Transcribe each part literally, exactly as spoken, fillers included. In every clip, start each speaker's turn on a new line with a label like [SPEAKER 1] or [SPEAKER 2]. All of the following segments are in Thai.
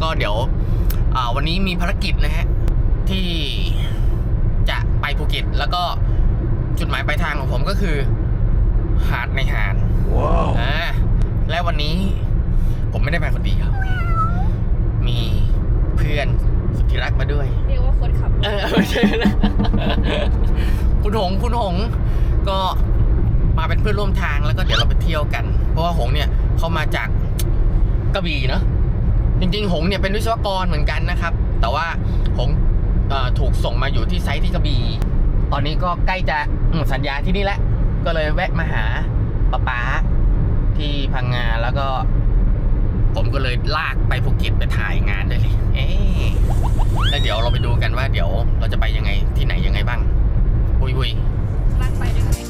[SPEAKER 1] เดี๋ยววันนี้มีภารกิจนะฮะที่จะไปภูเก็ตแล้วก็จุดหมายปลายทางของผมก็คือหาดในหาดว้าวอ่าและวันนี้ผมไม่ได้มาคนเดียวมีเพื่อนสุดที่รักมาด้วย
[SPEAKER 2] เรียกว่าคนขับ
[SPEAKER 1] เออไม่ใช่นะคุณหงคุณหงก็มาเป็นเพื่อนร่วมทางแล้วก็เดี๋ยวเราไปเที่ยวกันเพราะว่าหงเนี่ยเขามาจากกระบี่เนาะจริงๆหงเนี่ยเป็นวิศวกรเหมือนกันนะครับแต่ว่าหงถูกส่งมาอยู่ที่ไซต์ที่กระบี่ตอนนี้ก็ใกล้จะหมดสัญญาที่นี่แล้วก็เลยแวะมาหาป๊าป๊าที่พังงาแล้วก็ผมก็เลยลากไปภูเก็ตไปถ่ายงานได้เลยเอ๊ะแล้วเดี๋ยวเราไปดูกันว่าเดี๋ยวเราจะไปยังไงที่ไหนยังไงบ้างบุยบุย
[SPEAKER 2] ลากไปด้วยกัน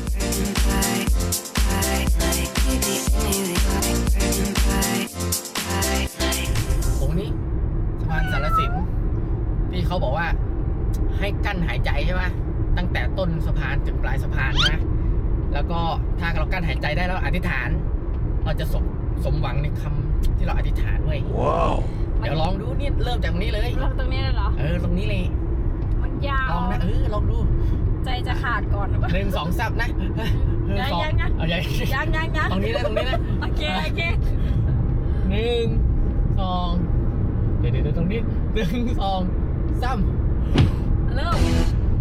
[SPEAKER 1] ตรงนี้สะพานสารสินที่เขาบอกว่าให้กั้นหายใจใช่ไหมตั้งแต่ต้นสะพานถึงปลายสะพานนะแล้วก็ถ้าเรากั้นหายใจได้แล้วอธิษฐานเราจะสมสมหวังในคำที่เราอธิษฐานเว้ยว้าวเดี๋ยวลองดูนี่เริ่มจากตรงนี้เลย
[SPEAKER 2] เริ่มตรงนี้เลยเหรอ
[SPEAKER 1] เออตรงนี้เลย
[SPEAKER 2] มันยาว
[SPEAKER 1] ลองนะเออลองดู
[SPEAKER 2] ใจจะขาดก่อนหรือเปล่า
[SPEAKER 1] หนึ่งสองซับนะ
[SPEAKER 2] ยังยังยังเอายังยังยังยัง
[SPEAKER 1] ตรงนี้นะตรงนี้นะ
[SPEAKER 2] โอเคโอเค
[SPEAKER 1] หนึ่งสองเดี๋ยวเดี๋ยวตรงนี้หนึ่งสองสาม
[SPEAKER 2] เริ่ม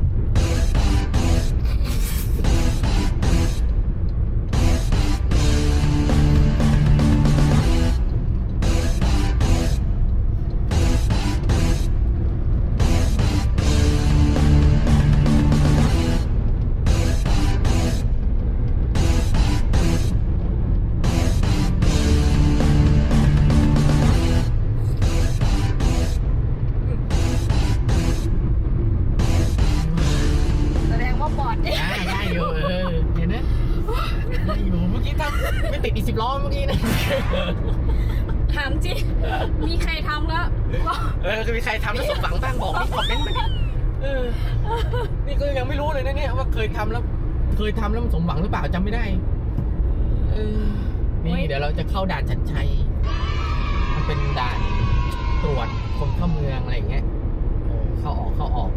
[SPEAKER 1] ไม่ติดอีกสิบล้อเมื่อกี้นะ
[SPEAKER 2] ถามจริงมีใครทำแล้ว
[SPEAKER 1] เออคือมีใครทำแล้วสมหวังบ้างบอกนี่คอมเมนต์มาดิเออนี่ก็ยังไม่รู้เลยนะเนี่ยว่าเคยทำแล้วเคยทำแล้วมันสมหวังหรือเปล่าจำไม่ได้เออนี่เดี๋ยวเราจะเข้าด่านชัดชัยมันเป็นด่านตรวจคนเข้าเมืองอะไรอย่างเงี้ยเออเข้าออกเข้าออก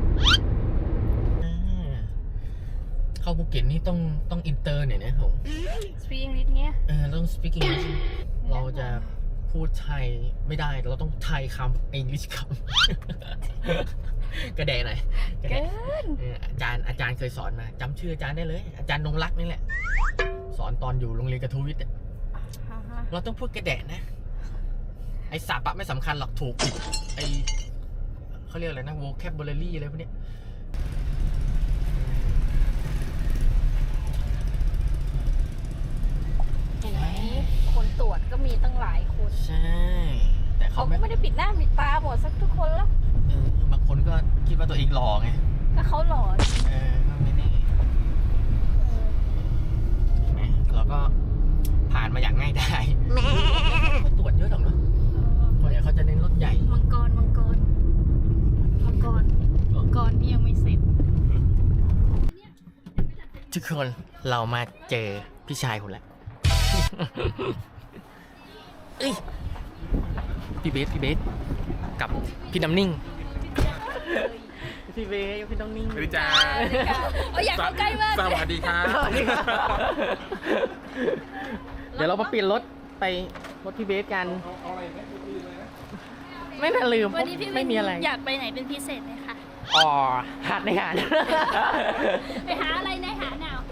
[SPEAKER 1] เข้าภูเก็ตนี่ต้องต้องอินเตอร์เนี่ยนะผม
[SPEAKER 2] speak English เงี้ย
[SPEAKER 1] เออต้อง speak English เราจะพูดไทยไม่ได้เราต้องไทยคำ English คำกระเดะหน่อย
[SPEAKER 2] เกิน
[SPEAKER 1] อาจารย์อาจารย์เคยสอนมาจำชื่ออาจารย์ได้เลยอาจารย์นงรักนี่แหละสอนตอนอยู่โรงเรียนกระทู้วิทย์เราต้องพูดกระเดะนะไอศัพท์ไม่สำคัญหรอกถูกผิดไอเขาเรียกอะไรนะ vocabulary อะไรพวกนี้
[SPEAKER 2] คนตรวจก็มีตั้งหลายคน
[SPEAKER 1] ใช่แต่เขา
[SPEAKER 2] ไม่ได้ปิดหน้าปิดตาหมดสักทุกคนแล้ว
[SPEAKER 1] เออบางคนก็คิดว่าตัวเองหล่อไง
[SPEAKER 2] ก็เขาหล่อ
[SPEAKER 1] เออก็ไม่แน่เห็นไหมเราก็ผ่านมาอย่างง่ายได้เขาตรวจเยอะหรอกเนาะส่วนใหญ่เขาจะเน้นรถใหญ่
[SPEAKER 2] มังกรมังกรมังกรมังกรนี่ยังไม่เสร็จ
[SPEAKER 1] ทุกคนเรามาเจอพี่ชายคนแหละเอ้ยพี่เบสพี่เบสกับพี่น้ำนิ่งพี่เบสพี่น้ำนิ่ง
[SPEAKER 3] สวัสดีจ้า
[SPEAKER 2] โอ้ยอยากเข้าใกล้มาก
[SPEAKER 3] สวัสดีครับ
[SPEAKER 1] เดี๋ยวเรามาเปลี่ยนรถไปรถพี่เบสกันไม่น่าลืม
[SPEAKER 2] วันนี้พี่ไม่มีอะไรอยากไปไหนเป็นพิเศษไหมคะ
[SPEAKER 1] อ๋อหาดในหาด
[SPEAKER 2] ไปหาอะไรในหาดหนาว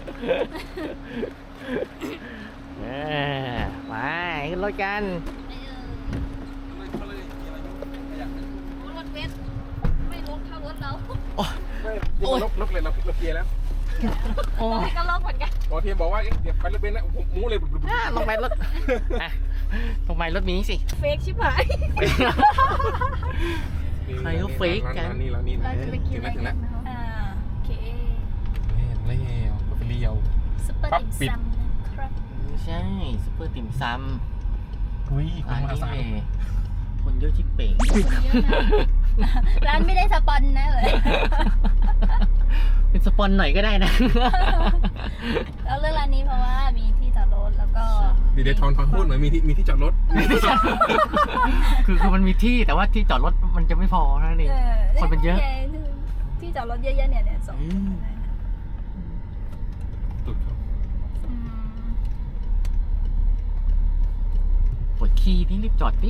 [SPEAKER 1] ไปขึ้นรถกัน
[SPEAKER 2] รถเบสไม่ลงเท่ารถเรา
[SPEAKER 3] โอ้ยลกเลยเราเราเกียร์แล้ว
[SPEAKER 2] โอ้ยก็ลงเหมือนกัน
[SPEAKER 3] พอเทียมบอกว่าเดี๋ยวไปรถเบนซ์นะผมมูเลย
[SPEAKER 1] ลงไปรถลงไปรถนี้สิ
[SPEAKER 2] เฟกชิบหาย
[SPEAKER 1] ใครก็เฟกกัน
[SPEAKER 3] นี่แล้วนี่นะถึงแล้วถึงแล้ว
[SPEAKER 2] โอเค
[SPEAKER 3] เลี้ยวเลี้ยว
[SPEAKER 2] ซุปเปอร์ติ่มซำ
[SPEAKER 1] ใช่ซุปเปอร์ติ่มซำ
[SPEAKER 3] อุ้ยคนมาสาย
[SPEAKER 1] คนเยอะชิบเป๋
[SPEAKER 2] ร้านไม่ได้สปอนนะเลย
[SPEAKER 1] เป็นสปอนหน่อยก็ได้นะ
[SPEAKER 2] เราเลือกร้านนี้เพราะว่ามีที่จอดรถแล้วก็
[SPEAKER 3] มีเดทอนทอนพูดเหมือนมีที่มีที่จอดรถ
[SPEAKER 1] คือคือมันมีที่แต่ว่าที่จอดรถมันจะไม่พอนั่นเอง คนมันเยอะ
[SPEAKER 2] ที่จอดรถเยอะๆเนี่ยเนี่ยสอง
[SPEAKER 3] ตุดเขา
[SPEAKER 1] ปวดขี้นี่รีบจอดดิ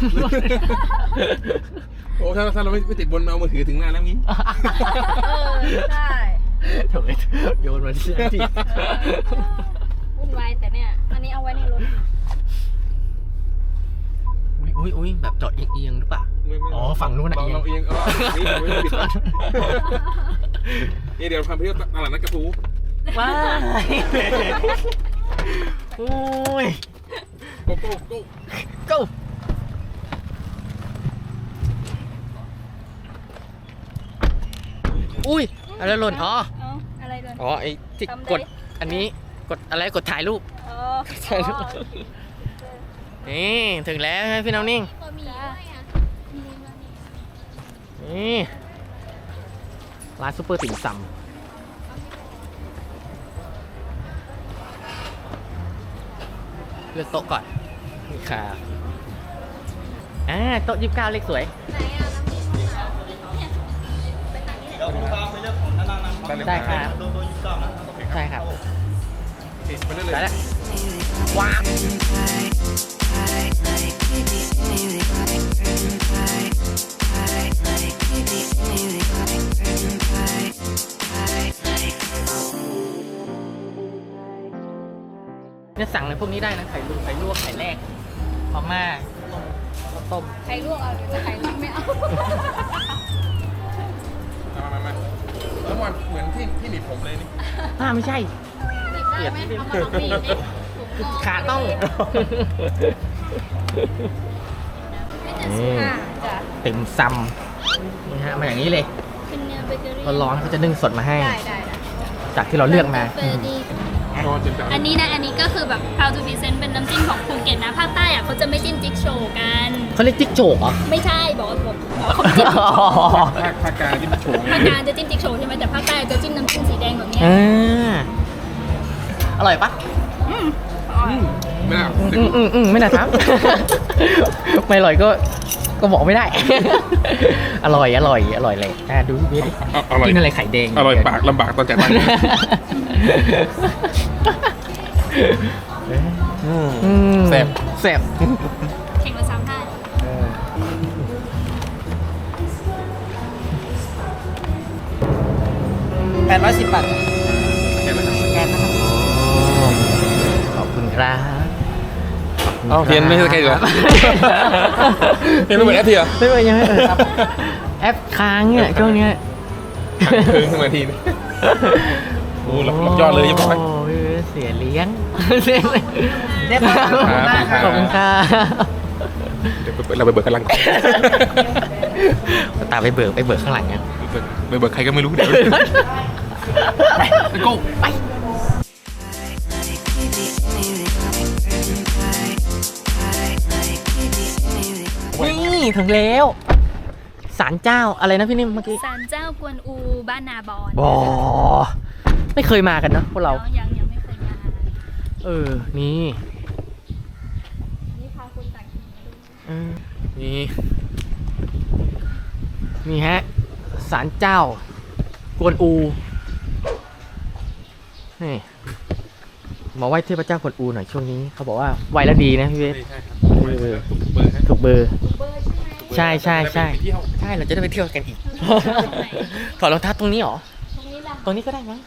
[SPEAKER 3] โอ้ถ้าถ้าเราไม่ไม่ติดบนเอามือถือถึงหน้าแล้วงี้
[SPEAKER 2] เออใช่
[SPEAKER 1] โถ่โยนมาที่ที่
[SPEAKER 2] วุ่นวายแต่เนี่ยอันนี้เอาไว้ในรถ
[SPEAKER 1] อุ้ยอุ้ยแบบจอดเอียงๆหรือเปล่า
[SPEAKER 3] ไม่ไม่
[SPEAKER 1] อ๋อฝั่งนู้นน่ะ
[SPEAKER 3] เราเรา
[SPEAKER 1] เอี
[SPEAKER 3] เอย
[SPEAKER 1] ง
[SPEAKER 3] งเออนี่ผมไม่ได้บิดนี่เดี๋ยวพาไปเที่ยวตลาดนัดกระทู
[SPEAKER 1] ว้าย โอ้ย
[SPEAKER 3] โก้โก้โก้
[SPEAKER 1] go อุ้ยอะไรหล่นอ๋อ
[SPEAKER 2] เอ้าอะไรเลย
[SPEAKER 1] อ๋อไอ้ที่
[SPEAKER 2] ทำได้
[SPEAKER 1] กดอันนี้กดอะไรกดถ่ายรูป
[SPEAKER 2] อ๋อ
[SPEAKER 1] ถ่ายรูปนี่ถึงแล้วใช่ไหมพี่น้องนิ่ง
[SPEAKER 2] ก็มีด้วยอ่ะมีมานี่
[SPEAKER 1] นี่ร้านซุปเปอร์ติ่มซำเลือกโต๊ะก่อนนี่ค่ะอ่าโต๊ะยี่สิบเก้าเลขสวย
[SPEAKER 2] ไหนอ่ะน้ำมีข้าวเนี่ยไปทางนี้แหละ
[SPEAKER 1] ได้ครับใช่ครับ
[SPEAKER 3] ติดไปเรื่อย
[SPEAKER 1] ได้แล้วว้าวเนี่ยสั่งในพวกนี้ได้นะไข่ลวกไข่ลวกไข่แรกมาม่าต้มข้าวต้ม
[SPEAKER 2] ไข่ลวกเอาหรือจะไข่ลวกไม่เอา
[SPEAKER 3] ๆมามามาแล้วมันเหมือนที่ที่หนีบผมเลยนี่
[SPEAKER 1] อ่าไม่ใช่
[SPEAKER 2] เปลี่ยนได้ไหมเอามาลองบีบดิถุง
[SPEAKER 1] ขาต้อง
[SPEAKER 2] ไม่แต่สุดค่ะจ้ะ
[SPEAKER 1] ติ่มซำนี่ฮะมาอย่างนี้เลย
[SPEAKER 2] เป็นเนื้อเบเกอรี่
[SPEAKER 1] ร้อนๆเขาจะนึ่งสดมาให้
[SPEAKER 2] ได้ได้ได้
[SPEAKER 1] จากที่เราเลือกมา
[SPEAKER 2] เฟอร์ดี้
[SPEAKER 3] นอนจนแบบ
[SPEAKER 2] อันนี้นะ อันนี้ก็คือแบบ proud to present เป็นน้ำจิ้มของภูเก็ตนะ ภาคใต้อะเขาจะไม่จิ้มจิ๊กโชว์กัน
[SPEAKER 1] เขาเรียกจิ๊กโจกเหรอ
[SPEAKER 2] ไม่ใช่ บอกว่าบอกบอกเขาจิ้ม
[SPEAKER 3] ภาคภาคกลางที่โฉง
[SPEAKER 2] ภาคกลางจะจิ้มจิ๊กโชว์ใช่ไหมแต่ภาคใต้จะจิ้มน้ำจิ้มสีแดงแบบเนี้ย
[SPEAKER 1] อ่าอร่อยปะ
[SPEAKER 2] อืม
[SPEAKER 3] ไม่น่า
[SPEAKER 1] อืมอืมอืมไม่น่าถาม ไม่อร่อยก็ก็บอกไม่ได้ อร่อยอร่อยอร่อยเลยอ่ะดูพี่ดิ
[SPEAKER 3] อร่อย
[SPEAKER 1] กินอะไรไข่แดง
[SPEAKER 3] อร่อยปากลำบากตอนจ่ายตังค์
[SPEAKER 1] อืม
[SPEAKER 3] แซ่บ
[SPEAKER 1] แซ่บ
[SPEAKER 2] แข่งละสามท่า
[SPEAKER 1] แปดร้อยสิบบาท
[SPEAKER 3] แค่นั้นครับ
[SPEAKER 1] สแกนนะครับขอบคุณครับ
[SPEAKER 3] เอ้าเทียนไม่ใช่สแกนเหรอ เทียนไม่เหมือนแอปเทีย
[SPEAKER 1] ไม่เป็นยังไงเออครับแอปค้างเนี่ยช่วงเนี้ย
[SPEAKER 3] เพิ่งขึ้นมาทีนึงโอ้หลับหลับยอดเลยยังไม่
[SPEAKER 1] โอ้ยเสียเลี้ยงเสียเลี้ยงเรียบร้อย
[SPEAKER 3] ครับ
[SPEAKER 1] ขอบคุณครับ
[SPEAKER 3] เดี๋ยวเราไปเบิกกันหลังก่อน
[SPEAKER 1] ตามไปเบิกไปเบิกข้างหลังเนี่ย
[SPEAKER 3] ไปเบิกใครก็ไม่รู้เดี๋ยวไปโก้
[SPEAKER 1] ไปนี่ถึงแล้วศาลเจ้าอะไรนะพี่นิ่มเมื่อกี้
[SPEAKER 2] ศาลเจ้ากวนอูบ้านนาบอน
[SPEAKER 1] บอไม่เคยมากันเนอะพวกเรา
[SPEAKER 2] ยังยังไม่เคยมา
[SPEAKER 1] เออ นี่
[SPEAKER 2] นี่พาคุณต่างถิ่นมาดู
[SPEAKER 1] เออนี่ นี่ฮะศาลเจ้ากวนอู นี่มาไหว้เทพเจ้ากวนอูหน่อยช่วงนี้ เขาบอกว่าไหว้แล้วดีนะพี่เวส
[SPEAKER 3] ใช่ครับถูกเบอร์ให้
[SPEAKER 1] ถูกเบอร์
[SPEAKER 2] เบอร์ใช่ไหม
[SPEAKER 1] ใช่ใช่ใช่
[SPEAKER 3] ไปเที่ยว
[SPEAKER 1] ใช่ เราจะได้ไปเที่ยวกันอีก ถอดรองเท้าตรงนี้เหรอ
[SPEAKER 2] ตรงนี้ล่ะ
[SPEAKER 1] ตรงนี้ก็ได้มั้ง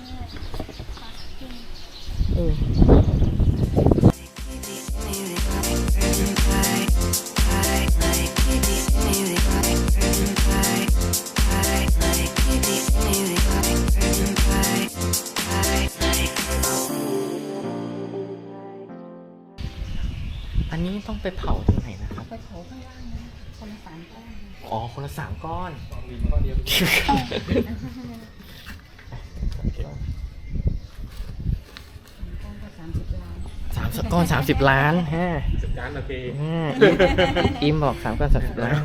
[SPEAKER 1] เอออันนี้ต้องไปเผาตรงไหนนะครับ
[SPEAKER 2] ไปเผาข้างล่างนะคนละสามก้อน
[SPEAKER 1] อ๋อ คนละสามก้อน สามก้อนสามสิบล้านฮะ
[SPEAKER 3] จัดการโอเค
[SPEAKER 1] อ่าอิมบอกสามก้อนสามสิบล้าน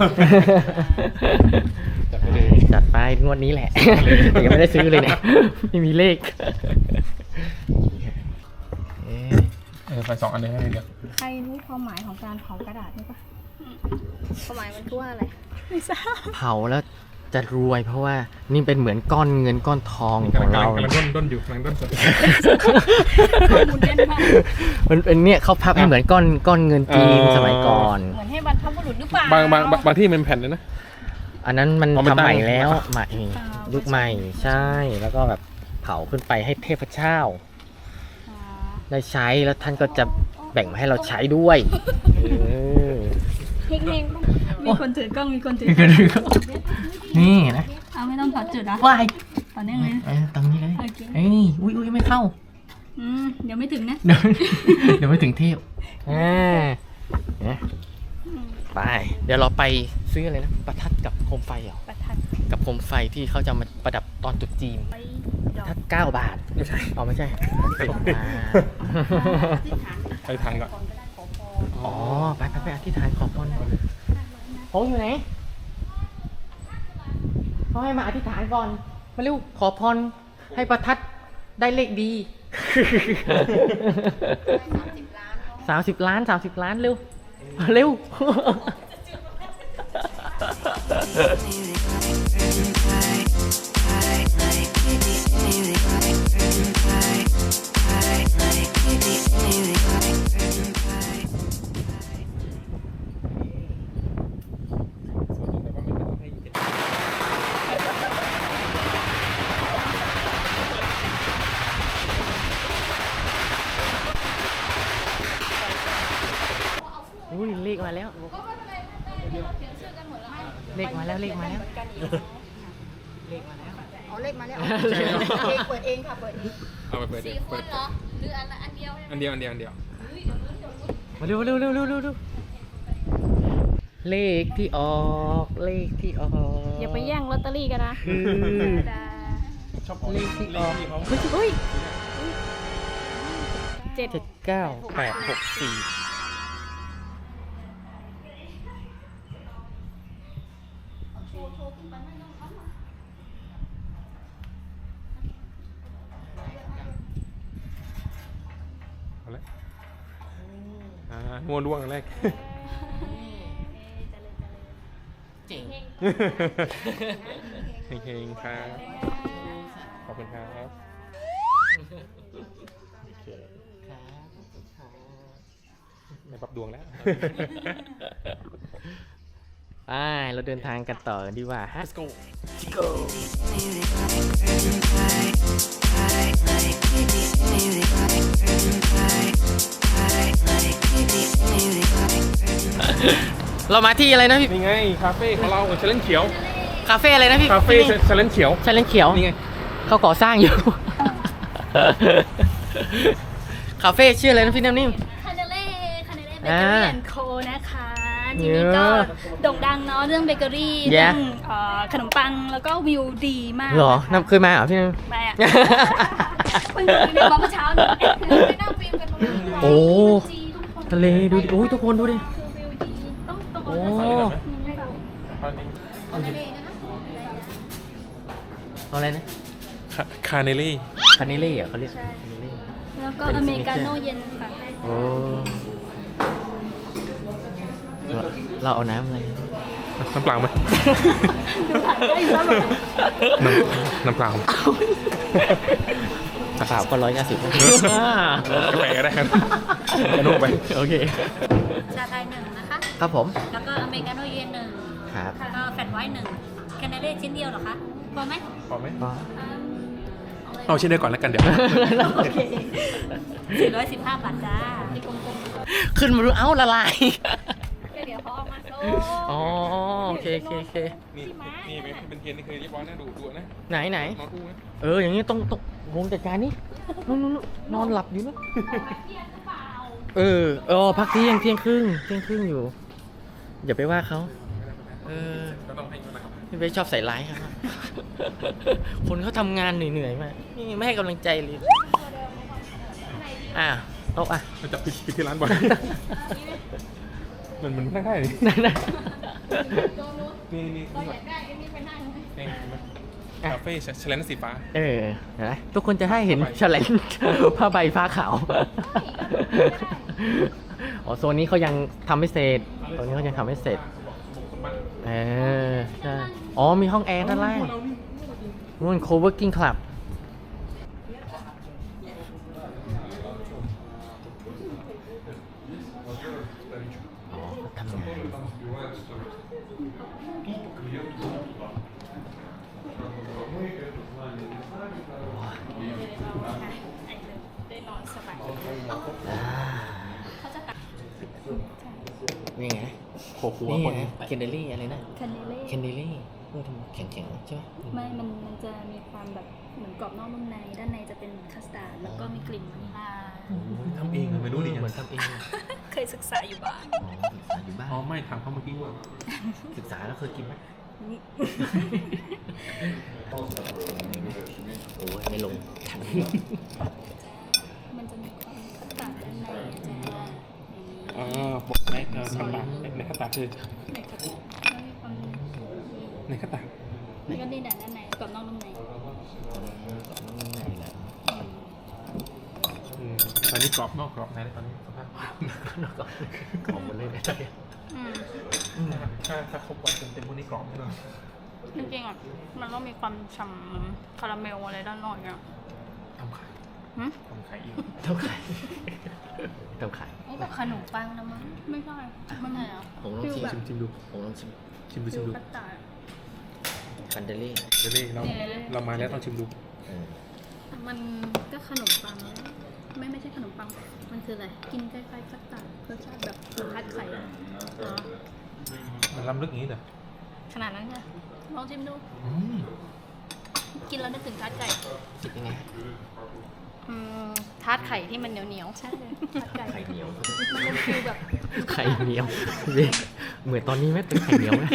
[SPEAKER 3] จัดไปเลย
[SPEAKER 1] จัดไปงวดนี้แหละ แต่ยังไม่ได้ซื้อเลยเนี่ย ไม่มีเลขเอ๊ะ
[SPEAKER 3] เออไฟสองอันเลยให้เดียว
[SPEAKER 2] ใครรู้ความหมายของการเผากระดาษไหมปะความหมายมันคือว่าอะไรไม่ทราบ
[SPEAKER 1] เผาแล้วจะรวยเพราะว่านี่เป็นเหมือนก้อนเงินก้อนทองข
[SPEAKER 3] กำ
[SPEAKER 1] อ
[SPEAKER 3] ลัง
[SPEAKER 1] งเรา
[SPEAKER 3] กำลังด้นด้นอยู่กำลังด้นสด
[SPEAKER 2] ข้อมูลแน่นมาก
[SPEAKER 1] มันเป็นเนี่ยเขาพับให้เหมือนก้อนก้อนเงินจีน
[SPEAKER 3] อ๋อ
[SPEAKER 1] สมัยก่อน
[SPEAKER 2] เหมือนให้บรรพบุรุษหรือเปล่า
[SPEAKER 3] บางบางบางบางที่มันแผ่นเลยนะ
[SPEAKER 1] อันนั้นมัน
[SPEAKER 3] อ๋อมัน
[SPEAKER 1] ทำใหม่
[SPEAKER 3] ตั้ง
[SPEAKER 1] แล้วใหม่
[SPEAKER 2] อ่ายุ
[SPEAKER 1] ยุคใหม่ใช่แล้วก็แบบเผาขึ้นไปให้เทพเจ้า
[SPEAKER 2] อ่า
[SPEAKER 1] ได้ใช้แล้วท่านก็จะแบ่งมาให้เราใช้ด้วยเออ
[SPEAKER 2] เฮงๆมีคนถือกล้องมีคนถือกล้อง
[SPEAKER 1] นี่นะ
[SPEAKER 2] เอาไม่ต้องถอดจุดนะ
[SPEAKER 1] วาย
[SPEAKER 2] ต่อเนื่องเลย
[SPEAKER 1] เอ้ยตรงนี้เลย
[SPEAKER 2] โอเค
[SPEAKER 1] เอ้ยอุ้ยอุ้ยไม่เข้า
[SPEAKER 2] อืมเดี๋ยวไม่ถึงนะ
[SPEAKER 1] เดี๋ยวเดี๋ยวไม่ถึงเทพอ่าเนี่ยไป เดี๋ยวเราไปซื้ออะไรนะ ประทัดกับโคมไฟเหรอ
[SPEAKER 2] ประทัด
[SPEAKER 1] กับโคมไฟที่เขาจะมาประดับตอนตรุษจีน
[SPEAKER 2] ไปดอก
[SPEAKER 1] ถ้าเก้าบาท ไม่ใช่อ๋อไม่ใช่สิบบาท
[SPEAKER 3] ไปทางก่อน
[SPEAKER 1] อ๋อ ไปไปไปอธิษฐานขอพรโค้งอยู่ไหนเขาให้มาอธิษฐานก่อน มาเร็ว ขอพรให้ประทัดได้เลขดีสามสิบล้านสามสิบล้านเร็วมาเร็ว อุ้ยเลขมาแล้ว เลขมาแล้วเลขมาแล้ว เลขมาแล้ว
[SPEAKER 2] อ๋อเลขมาแล้วเลขเปิดเองค่ะเปิดเอง
[SPEAKER 3] เอาไปเปิดเดี๋ยวเปิด
[SPEAKER 2] เหรอหรืออันอันเดียว
[SPEAKER 3] อันเดียวอันเดียวอันเดียว
[SPEAKER 1] มาเร็วเร็วเร็วเร็วเร็วเร็วเลขที่ออกเลขที่ออก
[SPEAKER 2] อย่าไปแย่งลอตเตอรี่กันนะ
[SPEAKER 1] คือ
[SPEAKER 3] ชอบเอา
[SPEAKER 1] เลขที่ออก
[SPEAKER 3] เลขที่เขา
[SPEAKER 1] เฮ้ย
[SPEAKER 2] เจ็ด
[SPEAKER 1] เจ็ดเก้าแปดหกสี่
[SPEAKER 3] เอาละอ่างัวด้วงอันแรก
[SPEAKER 1] เจ๋ง
[SPEAKER 3] เฮงๆครับขอบคุณครับโอเคได้ปรับดวงแล้ว
[SPEAKER 1] ไปเราเดินทางกันต่อดีกว่าฮะ
[SPEAKER 3] Let's go
[SPEAKER 1] Let's go เรามาที่อะไรนะพี่
[SPEAKER 3] นี่ไงคาเฟ่ของเราเชลเลนเขียว
[SPEAKER 1] คาเฟ่อะไรนะพี่
[SPEAKER 3] คาเฟ่เชลเลนเขียว
[SPEAKER 1] ใช่เลนเขียว
[SPEAKER 3] นี่ไง
[SPEAKER 1] เขาก่อสร้างอยู่ คาเฟ่ชื่ออะไรนะพี่น้ำนิ่ม
[SPEAKER 2] คาเนเล่คาเนเล่เบเกอ
[SPEAKER 1] อ่า
[SPEAKER 2] รี่แอนด์โคนะคะทีนี้ก็โด่งดังเนาะเรื่องเบเกอรี่
[SPEAKER 1] แย่
[SPEAKER 2] เรื่องเอ่อขนมปังแล้วก็วิวดีมาก
[SPEAKER 1] เหรอ
[SPEAKER 2] นะคะ
[SPEAKER 1] น้ำเคยมาเหรอพี่น้ำ
[SPEAKER 2] ไปอ่ะ เพิ่งกินเนี่ยมาเมื่อเช้านี้ไปนั่งฟิล์มกันตรงนี้
[SPEAKER 1] โอ้
[SPEAKER 2] จีทุกคน
[SPEAKER 1] ทะเลดูดิโอ้ยทุกคนดูดิ
[SPEAKER 2] คือวิวดีต้องต้อง
[SPEAKER 1] โอ้
[SPEAKER 3] ตอนนี้
[SPEAKER 2] คาเนเล่นะคะ
[SPEAKER 1] เอาอะไรนะ
[SPEAKER 3] คาคาเนลี่
[SPEAKER 1] คาเนเล่เหรอเขาเรียกคาเนเล่
[SPEAKER 2] แล้วก็อเมริกาโน่เย็นค่ะ
[SPEAKER 1] โอ้เราเราเอาน้ำอะไร
[SPEAKER 3] น้ำเปล่าไหม
[SPEAKER 2] ดูถ่ายได้อยู่แล้วเหรอ
[SPEAKER 3] น้ำน้ำเปล่า
[SPEAKER 1] กระเป๋าก็ร้อยห้าสิบ
[SPEAKER 3] กาแฟก็ได้ครับกระโน่ไป
[SPEAKER 1] โอเค
[SPEAKER 2] ชาไทยหนึ่งนะคะ
[SPEAKER 1] ครับผม
[SPEAKER 2] แล้วก็อเมริกาโน่เย็นหนึ่ง
[SPEAKER 1] ครับ
[SPEAKER 2] แล้วก็แฟลตไวท์หนึ่งแคนาเดาชิ้นเดียวเหรอคะพอไหม
[SPEAKER 3] พอไหม
[SPEAKER 1] ก็
[SPEAKER 3] เอาชิ้นเดียวก่อนแล้วกันเดี๋ยว
[SPEAKER 2] โอเคสี่ร้อยสิบห้าบาทจ้าที่กลม
[SPEAKER 1] ขึ้นมาดูเอ้าละลาย
[SPEAKER 2] ๆก็เดี๋ยวเขาเอามาโซ่
[SPEAKER 1] อ๋อโอเคโอเคโอเค
[SPEAKER 3] นี่นี่เป็นเทียนนี่คือเรียบร้อยนะดูดูนะ
[SPEAKER 1] ไหนไหน
[SPEAKER 3] นอนอู้นะ
[SPEAKER 1] เอออย่างนี้ต้องต้องงงจัดการนี่นู่นนู่นนู่นนอนหลับอยู่นู่นเออเออพักเที่ยงเที่ยงครึ่งเที่ยงครึ่งอยู่ อย่าไปว่าเขาเออ
[SPEAKER 3] ก็ต้องให้นะครับ
[SPEAKER 1] พี่เบสชอบใส่ร้ายครับ คนเขาทำงานเหนื่อยๆมานี่ไม่ให้กำลังใจเลยอ่ะโต๊ะอ่ะ
[SPEAKER 3] มันจะปิดปิดที่ร้านบ่อยมันมันนั่งได้นี่
[SPEAKER 1] นั่นนะ
[SPEAKER 3] นี่นี่นี่ก่อนนี่เห็นไหมคาเฟ่แชลนสีฟ้า
[SPEAKER 1] เออเห็นไหมทุกคนจะให้เห็นแฉลงผ้าใบฟ้าขาวอ๋อโซนนี้เขายังทำไม่เสร็จโซนนี้เขายังทำไม่เสร็จเออใช่อ๋อมีห้องแอร์ด้านล่างนู่น co-working club อ๋อทำงาน
[SPEAKER 2] ได้นอนสบาย
[SPEAKER 1] อ่า
[SPEAKER 2] เขาจะตัด
[SPEAKER 1] นี่ไง
[SPEAKER 3] โคหัว
[SPEAKER 1] นี่
[SPEAKER 3] คน
[SPEAKER 1] ไงเคนเดลี่อะไรนะ
[SPEAKER 2] คันเนเล่
[SPEAKER 1] เคนเดลี่เออทำแข็งๆใช่ไหม
[SPEAKER 2] ไม่ มันมันจะมีความแบบเหมือนกรอบนอกนุ่มใน ด้านในจะเป็นคัสตาร์ด แล้วก็มีกลิ่นวานิลลา
[SPEAKER 3] ทำเองไม่รู้ดิ
[SPEAKER 1] เหมือนทำเอง
[SPEAKER 2] เคยศึกษาอยู่บ้าง
[SPEAKER 1] อ๋อศึกษาอยู่บ้าน
[SPEAKER 3] อ๋อไม่ถามเขาเมื่อกี้ว่า
[SPEAKER 1] ศึกษาแล้วเคยกินไหมโอ้ยไม่ลงถัง
[SPEAKER 2] มันจะมีความคัสตาร์ดด้านในจะอย่างนี้
[SPEAKER 3] อ่าบอกในกระตาในกระตาคือ
[SPEAKER 2] ในคัสตาร์ดแล้วมีความ
[SPEAKER 3] ในกระตา
[SPEAKER 2] แล้วก็นี่แหละด้านในกรอบนอกนุ่มใน
[SPEAKER 1] ไหนล่ะ
[SPEAKER 3] อืมตอนนี้กรอบนอกกรอบในตอนนี้สภาพ
[SPEAKER 1] ของมันเลยนะจ๊ะ
[SPEAKER 2] อืม
[SPEAKER 3] ถ้าถ้าครบวันเต็มๆพวกนี้กรอบแน่นอน
[SPEAKER 2] จริงๆอ่ะ มันต้องมีความฉ่ำคาราเมลอะไรด้านนอกอ่ะ
[SPEAKER 3] ทำไข่
[SPEAKER 2] หืม
[SPEAKER 3] ทำไข่อีก
[SPEAKER 1] เท่าไข่เท่าไข่
[SPEAKER 2] นี่แบบขนมปังนะมั้งไม่ใช่มันไงอ่ะ
[SPEAKER 1] ผมลอง
[SPEAKER 2] ฟิล
[SPEAKER 1] ชิม
[SPEAKER 2] แบบ
[SPEAKER 3] ชิมชิมดู
[SPEAKER 1] ผมลองชิม
[SPEAKER 3] ชิมดู
[SPEAKER 2] ฟิ
[SPEAKER 3] ชิม
[SPEAKER 2] ล
[SPEAKER 3] ดู
[SPEAKER 2] คัสตาร์ด
[SPEAKER 1] คันเดลี่
[SPEAKER 3] เดี๋ยวนี้เราเรามาแล้วต้องชิมดู
[SPEAKER 1] เออ
[SPEAKER 2] มันก็ขนมปังแล้วไม่ไม่ใช่ขนมปัง มันคืออะไร กินคล้ายๆคัสตาร์ดรสชาติแบบรสชาติไข่อะเหรอ
[SPEAKER 3] มันล้ำลึกอย่างนี้เหรอ
[SPEAKER 2] ขนาดนั้นใช่ลองชิมดู
[SPEAKER 3] อืม
[SPEAKER 2] กินแล้วนึกถึงทาร์ตไก่
[SPEAKER 1] คิดยังไง
[SPEAKER 2] อืมทาร์ตไข่ที่มันเหนียวเหนียวๆใช่เลยทาร์ตไก่
[SPEAKER 1] ไข่เหนียว
[SPEAKER 2] มันเป็นฟิลแบบ
[SPEAKER 1] ไข่เหนียวเว้ยเหมือนตอนนี้ไหมเป็นไข่เหนียวไหม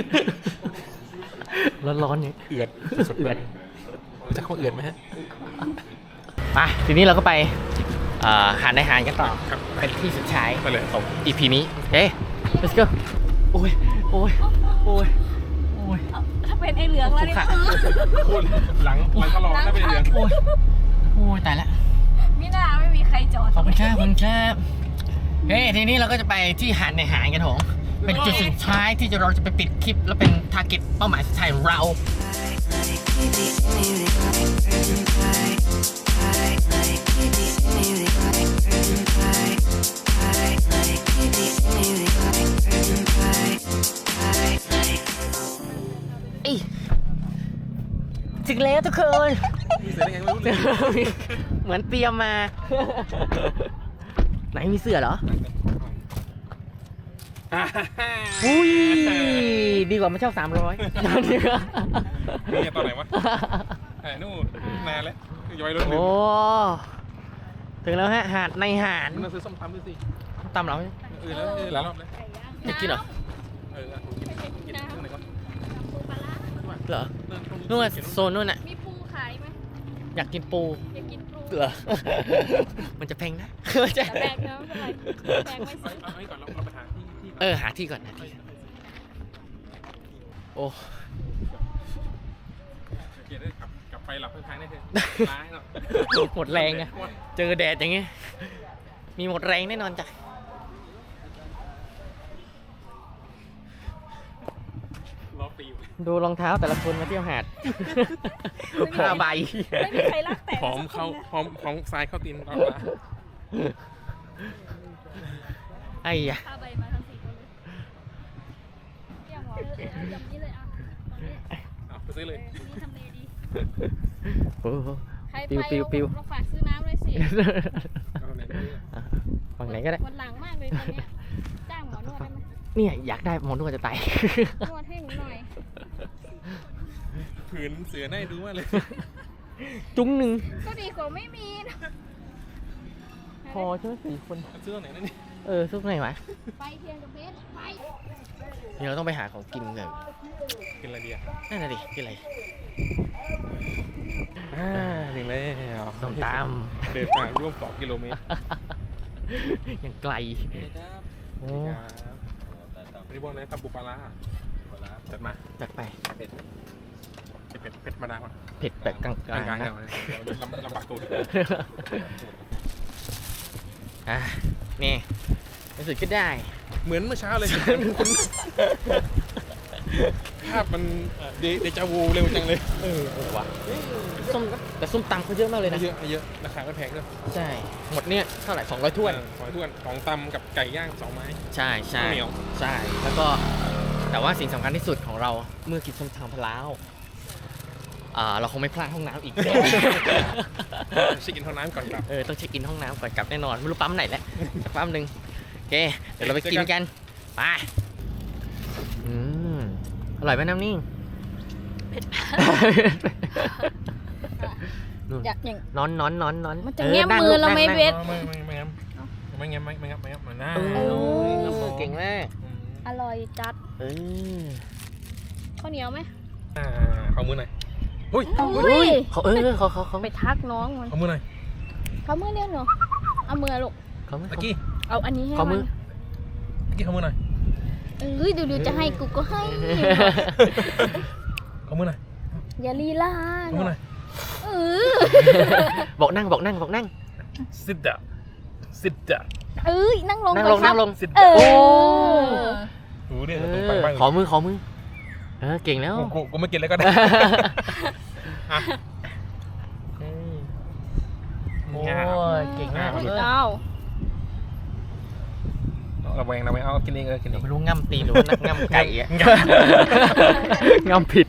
[SPEAKER 1] ร้อนๆเนี่ย
[SPEAKER 3] เอือดสด
[SPEAKER 1] เอือด
[SPEAKER 3] ๆจะเข้าเอือดไหมฮะ
[SPEAKER 1] ไปทีนี้เราก็ไปเอ่อหาในหารกันต่อ
[SPEAKER 3] ครับ
[SPEAKER 1] เป็นที่สุดท้าย
[SPEAKER 3] ไปเลย
[SPEAKER 1] ของ อี พี นี้เฮ้ย let's go โอ้ยโอ้ยโอ้ยโอ้ย
[SPEAKER 2] ถ้าเป็นไอเหลืองแล้วนี่
[SPEAKER 1] ค่ะ
[SPEAKER 3] พูดหลังหลังก็รอได้ไปเรียน
[SPEAKER 1] โอ้ยโอ้ยตายละ
[SPEAKER 2] มิน่าไม่มีใครจอด
[SPEAKER 1] ขอบคุณครับขอบคุณครับเฮ้ยทีนี้เราก็จะไปที่หาดในหารกันโถงเป็นจุดสุดท้ายที่จะเราจะไปปิดคลิป แล้วเป็นทาร์เก็ตเป้าหมายสุดท้ายของเรา อีถึงแล้วทุกคน
[SPEAKER 3] มีเสือได้ไงไม่รู้เลย
[SPEAKER 1] เหมือนเตรียมมา ไหนมีเสื้อเหรอ อุ้ย ดีกว่ามาเช่าสามร้อย
[SPEAKER 3] นี่ตอนไหนวะไอ้นู่นนานแล้วย้อยรถลื
[SPEAKER 1] โอ้
[SPEAKER 3] ม
[SPEAKER 1] ถึงแล้วฮะ หาดในหาด
[SPEAKER 3] มันซื้อส้มตำด้วยสิ
[SPEAKER 1] ตำเหรา
[SPEAKER 3] เออแล้วเออหลายรอบเลย
[SPEAKER 1] จะกินเหรอ
[SPEAKER 3] เออผมกินกินเรื่องไหนก่อน
[SPEAKER 2] ปูปลาร้า
[SPEAKER 1] เหรอ
[SPEAKER 3] เรื่องตรง
[SPEAKER 1] นู่นโซนนู่นน่ะ
[SPEAKER 2] มีปูขายไหม
[SPEAKER 1] อยากกินปู
[SPEAKER 2] อยากกินปู
[SPEAKER 1] เหรอ มันจะแพงนะ มันจะ
[SPEAKER 2] แต่แบกเนาะทำไมแบกไม่
[SPEAKER 3] เอา
[SPEAKER 2] ซื้อ
[SPEAKER 3] เอาไว้ก่อนเราเราไปหาที่ที่
[SPEAKER 1] เออ หาที่ก่อนหาที่ก่อนโอ้
[SPEAKER 3] เกียร์ได้ขับกลับไปหลับข้างๆได้เถอะร้ายเนาะ
[SPEAKER 1] หมดแรงอะเจอแดดอย่างเงี้ย มีหมดแรงแน่นอนจ้ะ
[SPEAKER 3] รอปีอยู่
[SPEAKER 1] ดูรองเท้าแต่ละคนมาเที่ยวหาดผ้าใบ
[SPEAKER 2] ไม่มีใครรักแต่
[SPEAKER 3] พร้อมเข้าพร้อมพร้อมทรายเข้าตีนตอนมา
[SPEAKER 1] ไอ้ยะ
[SPEAKER 2] ผ้าใบมาทั้งสี่คนเลยเรียกหมอเลยอย่างนี้เลยอ่ะตอนนี้
[SPEAKER 3] เอาไปซื้อเลย
[SPEAKER 2] นี่ทำเลดี
[SPEAKER 1] โอ้โห
[SPEAKER 2] ใคร
[SPEAKER 1] ปิว
[SPEAKER 2] ไป
[SPEAKER 1] ปิวปิว
[SPEAKER 2] เราฝากซื้อน้ำเลยสิ
[SPEAKER 3] เอาไหนดี
[SPEAKER 1] ฝั่งไหนก็ได้
[SPEAKER 2] วันหลังมากเลยตอนเนี้ยจ้างหมอนวดได้ไหม
[SPEAKER 1] เนี่ยอยากได้หมอนวดจะตาย
[SPEAKER 2] นวดให้หนูหน่อย
[SPEAKER 3] ผืนเสือได้ดูมากเลย
[SPEAKER 1] จุ้งหนึ่ง
[SPEAKER 2] ก็ดีกว่าไม่มีนะ
[SPEAKER 1] พอใช่ไหมสี่คน
[SPEAKER 3] ซื้อตรงไหนนั่นนี่
[SPEAKER 1] เออซุกไหนวะ
[SPEAKER 2] ไปเทียนกับเบสไป
[SPEAKER 1] เดี๋ยวเราต้องไปหาของกินกัน
[SPEAKER 3] กินอะไรดีอ่ะ
[SPEAKER 1] นั่นน่ะดิกินอะไร
[SPEAKER 3] อ่าถึงแล้ว
[SPEAKER 1] ส้มต
[SPEAKER 3] เดินทางร่วมสองกิโลเมตร
[SPEAKER 1] ำยังไกลโอ้
[SPEAKER 3] วันนี้บอกเลยทำบุปลาร้าจัดมา
[SPEAKER 1] จัดไป
[SPEAKER 3] เผ็ดเผ็ดธรรมดาป่ะ
[SPEAKER 1] เผ็ดแบบกลาง
[SPEAKER 3] กลาง
[SPEAKER 1] ๆ
[SPEAKER 3] กลาง
[SPEAKER 1] นะ
[SPEAKER 3] ลำลำบากตัว
[SPEAKER 1] อ่ะนี่ในสุดก็ได้
[SPEAKER 3] เหมือนเมื่อเช้าเลยคุณภาพมันเดเดจาวูเร็วจังเลย
[SPEAKER 1] เออเออว่ะส้มแต่ส้มตำเขาเยอะมากเลยนะ
[SPEAKER 3] เยอะเยอะราคาก็แพงด้วย
[SPEAKER 1] ใช่หมดเนี่ยเท่าไหร่สองร้อยถ้วน
[SPEAKER 3] สองถ้วนของตำกับไก่ย่างสองไม้
[SPEAKER 1] ใช่ใช่
[SPEAKER 3] ข้าวเหนียว
[SPEAKER 1] ใช่แล้วก็แต่ว่าสิ่งสำคัญที่สุดของเราเมื่อกินส้มตำพะล้าวอ่าเราคงไม่พลาดห้องน้ำอีก
[SPEAKER 3] ชิคกินเท่าน้ำก่อนกลับ
[SPEAKER 1] เออต้องเช็คอินห้องน้ำก่อนกลับแน่นอนไม่รู้ปั๊มไหนแหละสักปั๊มหนึ่งโอเคเดี๋ยวเราไปกินกันไปอืมอร่อยไหมน้ำนิ่ง นู่น
[SPEAKER 2] อยากอย่าง
[SPEAKER 1] นอนนอนนอนนอน
[SPEAKER 2] มันจะ
[SPEAKER 1] ออ
[SPEAKER 2] แง้ม
[SPEAKER 1] นั่ง
[SPEAKER 2] มือ
[SPEAKER 1] ลูก
[SPEAKER 2] เรา
[SPEAKER 1] นั่ง
[SPEAKER 2] ไม่
[SPEAKER 1] นั่ง
[SPEAKER 2] เว้น
[SPEAKER 3] ไม่ไม่ไม่งั้นไม่งั้นไม่ไม่งั้นไม่งั้นไม่งั้น
[SPEAKER 1] เอ
[SPEAKER 3] เอ
[SPEAKER 1] อ
[SPEAKER 3] อ
[SPEAKER 1] น้ำมือเก่งมาก
[SPEAKER 2] อร่อยจัด
[SPEAKER 1] เออ
[SPEAKER 2] ข้าวเหนียวไหม
[SPEAKER 3] อ่าขอมือหน่อยอุ้ย
[SPEAKER 2] อุ้ย
[SPEAKER 1] เขาเออเขาเขาเขา
[SPEAKER 2] ไปทักน้องมัน
[SPEAKER 3] ขอมือหน่อย
[SPEAKER 2] เขามือเรียกหนูเอามือลูก
[SPEAKER 1] เขาไม่
[SPEAKER 3] ตะกี้
[SPEAKER 2] เอาอันนี้ให้
[SPEAKER 1] ขอมื
[SPEAKER 2] มั
[SPEAKER 1] อ
[SPEAKER 2] น
[SPEAKER 3] ตะกี้ขอมือหน่อย
[SPEAKER 2] เอ้ยดูๆจะให้กูก็ให้
[SPEAKER 3] ขอมือหน่อย
[SPEAKER 2] อย่าลีลา
[SPEAKER 3] ขอมือหน่อย
[SPEAKER 2] เออ
[SPEAKER 1] บอกนั่งบอกนั่งบอกนั่ง
[SPEAKER 3] sit down sit down
[SPEAKER 2] เอ้ยนั่งลง
[SPEAKER 1] นั่ง
[SPEAKER 2] ก่
[SPEAKER 1] ล
[SPEAKER 2] อง นค
[SPEAKER 1] นั่
[SPEAKER 2] รับ
[SPEAKER 1] งลง
[SPEAKER 3] sit
[SPEAKER 2] เอ
[SPEAKER 3] down
[SPEAKER 2] อ
[SPEAKER 3] โอ้เนี่ย
[SPEAKER 1] เอ
[SPEAKER 3] ตรงไป
[SPEAKER 1] อ
[SPEAKER 3] บ้าง
[SPEAKER 1] ขอมือขอมือเออเก่งแล้ว
[SPEAKER 3] กูกูกูไม่กินแล้วก็ได้อ่ะ
[SPEAKER 1] เออ โอ้
[SPEAKER 3] ง่าย
[SPEAKER 1] ยเก่งมาก
[SPEAKER 3] อ่ะ
[SPEAKER 1] เออ
[SPEAKER 2] เอา
[SPEAKER 3] ระแวงระแวงเอากินเองเออกินเอง
[SPEAKER 1] ไม่รู้ง่ำตีนหรือว่านักง่ำไก่อะ
[SPEAKER 3] ง่ำ
[SPEAKER 1] ง่ำผิด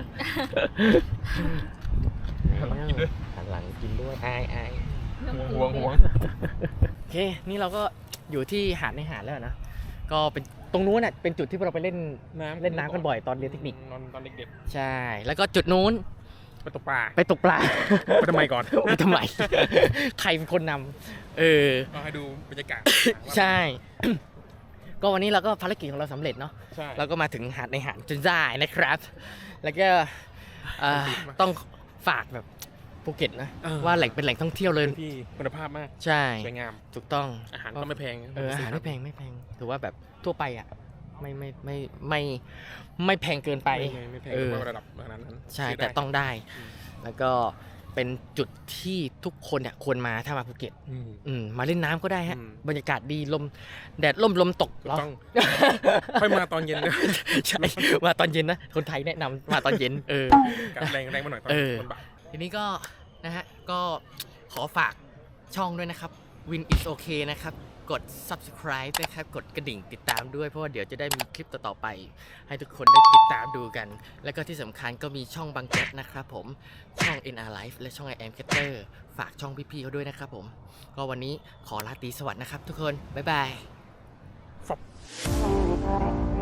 [SPEAKER 3] กินด้วย
[SPEAKER 1] หันหลังกินด้วยอายอาย
[SPEAKER 3] ห่วงห่วง
[SPEAKER 1] โอเค นี่เราก็อยู่ที่หาดในหาดแล้วนะ ก็เป็นตรงนู้นน่ะเป็นจุดที่เราไปเล่น
[SPEAKER 3] น้ำ
[SPEAKER 1] เล่นน้ำกันบ่อยตอนเรียนเทคนิค
[SPEAKER 3] นอนตอนเด็ก
[SPEAKER 1] ใช่ แล้วก็จุดนู้น
[SPEAKER 3] ๆไปตกปลา
[SPEAKER 1] ไปตกปลา
[SPEAKER 3] ไปทำไมก่อน
[SPEAKER 1] ไปทำไม ใครเป็นคนนำเออ
[SPEAKER 3] ก็ให้ดูบรรยากาศ
[SPEAKER 1] ใช่ ก็วันนี้เราก็ภารกิจของเราสำเร็จเนาะ
[SPEAKER 3] ใช่
[SPEAKER 1] เราก็มาถึงหาดในหาดจนได้นะครับ แล้วก็เอ่อต้องฝากแบบภูเก็ตนะ ว่าแหล่งเป็นแหล่งท่องเที่ยวเลย
[SPEAKER 3] เป็นที่คุณภาพมาก
[SPEAKER 1] ใช่
[SPEAKER 3] สวยงาม
[SPEAKER 1] ถูกต้อง
[SPEAKER 3] อาหารก็ไม่แพง
[SPEAKER 1] เอออาหารไม่แพงไม่แพงถือว่าแบบทั่วไปอ่ะไม่ไม่ไม่ไม่ไม่แพงเกินไป
[SPEAKER 3] ไม่ไม่ไม่แพง
[SPEAKER 1] เออ
[SPEAKER 3] ระดับขนาดนั้น
[SPEAKER 1] ใช่
[SPEAKER 3] ซื้
[SPEAKER 1] แต่
[SPEAKER 3] ได้
[SPEAKER 1] ต้องได้
[SPEAKER 3] อืม
[SPEAKER 1] แล้วก็เป็นจุดที่ทุกคนเนี่ยควรมาถ้ามาภูเก็ต
[SPEAKER 3] อืม
[SPEAKER 1] อืมมาเล่นน้ำก็ได้ฮะ
[SPEAKER 3] อืม
[SPEAKER 1] บรรยากาศดีลมแดดลมลมตกเหรอ
[SPEAKER 3] ต้อง ค่อยมาตอนเย็นด้วย
[SPEAKER 1] ใช่มาตอนเย็นนะคนไทยแนะนำมาตอนเย็นเออ
[SPEAKER 3] กับแรงแรงมาหน่อยตอน
[SPEAKER 1] เออ
[SPEAKER 3] ตอนบ่าย
[SPEAKER 1] ทีนี้ก็นะฮะก็ขอฝากช่องด้วยนะครับ Win is okay นะครับกด subscribe นะครับกดกระดิ่งติดตามด้วยเพราะว่าเดี๋ยวจะได้มีคลิปต่อๆไป ให้ทุกคนได้ติดตามดูกัน แล้วก็ที่สำคัญก็มีช่องบางแจ๊กนะครับผมช่อง เอ็น อาร์ Life และช่อง I Am Catter ฝากช่องพี่ๆเขาด้วยนะครับผมก็วันนี้ขอลาตรีสวัสดีนะครับทุกคนบ๊ายบาย